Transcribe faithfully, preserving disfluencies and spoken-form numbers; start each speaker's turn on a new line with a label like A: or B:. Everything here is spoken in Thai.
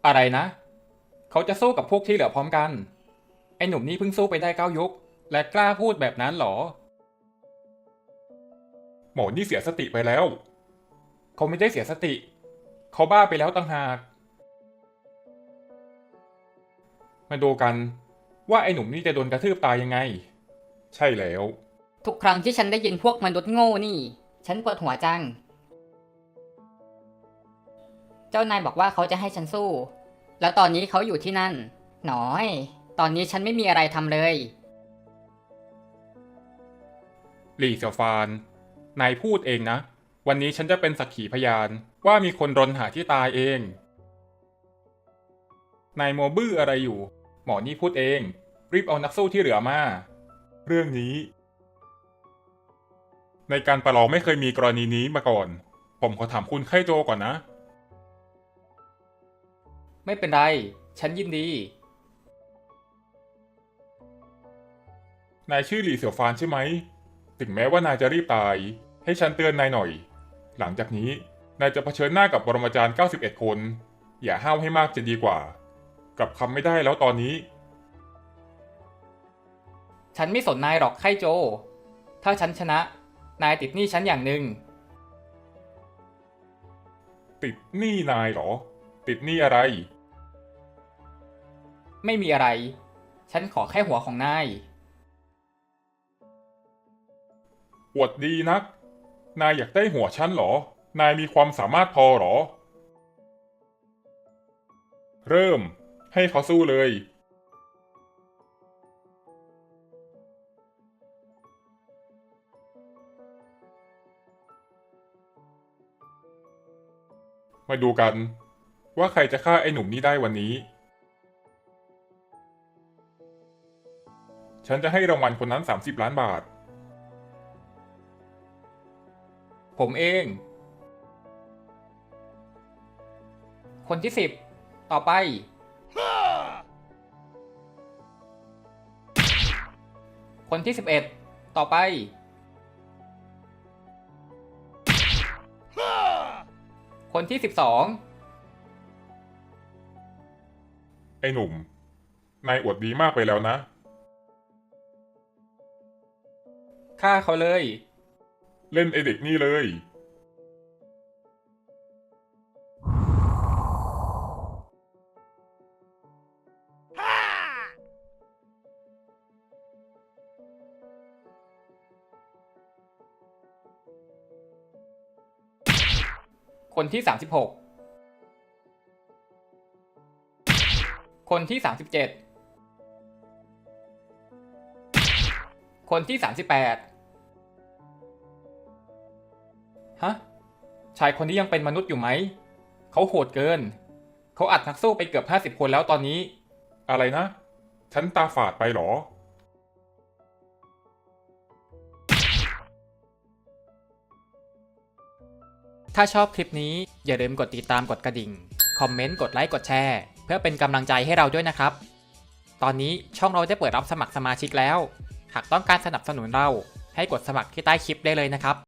A: อะไรนะเขาจะสู้กับพวกที่เหลือพร้อมกันไอ้หนุ่มนี่เพิ่งสู้ไปได้เก้ายกและกล้าพูดแบบนั้นหรอหมอนี่เสียสติไปแล้วเขาไม่ได้เสียสติเขาบ้าไปแล้วต่างหากมาดูกันว่าไอ้หนุ่มนี่จะโดนกระทืบตายยังไงใช่แล้ว
B: ทุกครั้งที่ฉันได้ยินพวกมนุษย์โง่นี่ ฉันปวดหัวจัง เจ้านายบอกว่าเขาจะให้ฉันสู้ แล้วตอนนี้เขาอยู่ที่นั่น หนอย ตอนนี้ฉันไม่มีอะไรทำเลย
A: หลี่เสี่ยวฟานนายพูดเองนะวันนี้ฉันจะเป็นสักขีพยานว่ามีคนรนหาที่ตายเองนายโมบื้ออะไรอยู่หมอนี่พูดเองรีบเอานักสู้ที่เหลือมาเรื่องนี้ในการประลองไม่เคยมีกรณีนี้มาก่อนผมขอถามคุณไคโจก่อนนะไม่เป็นไรฉันยินดีนายชื่อหลี่เสี่ยวฟานใช่ไหมถึงแม้ว่านายจะรีบตายให้ฉันเตือนนายหน่อยหลังจากนี้นายจะเผชิญหน้ากับปรมาจารย์เก้าสิบเอ็ดคนอย่าห้าวให้มากจะดีกว่ากลับคำไม่ได้แล้วตอนนี้ฉันไม่สนนายหรอกไคโจถ้าฉันชนะนายติดหนี้ฉันอย่างหนึ่งติดหนี้นายเหรอติดหนี้อะไรไม่มีอะไรฉันขอแค่หัวของนายอวดดีนักนายอยากได้หัวฉันเหรอนายมีความสามารถพอเหรอเริ่มให้เขาสู้เลยมาดูกันว่าใครจะฆ่าไอ้หนุ่มนี้ได้วันนี้ฉันจะให้รางวัลคนนั้นสามสิบล้านบาทผมเองคนที่สิบต่อไปคนที่สิบเอ็ดต่อไปคนที่สิบสองไอ้หนุ่มนายอวดดีมากไปแล้วนะฆ่าเขาเลยเล่นไอเด็กนี่เลยคนที่สามสิบหกคนที่สามสิบเจ็ดคนที่สามสิบแปดฮะชายคนนี้ยังเป็นมนุษย์อยู่ไหมเขาโหดเกินเขาอัดนักสู้ไปเกือบห้าสิบคนแล้วตอนนี้อะไรนะฉันตาฝาดไปหรอถ้าชอบคลิปนี้อย่าลืมกดติดตามกดกระดิ่งคอมเมนต์กดไลค์กดแชร์เพื่อเป็นกำลังใจให้เราด้วยนะครับตอนนี้ช่องเราได้เปิดรับสมัครสมาชิกแล้วหากต้องการสนับสนุนเราให้กดสมัครที่ใต้คลิปได้เลยนะครับ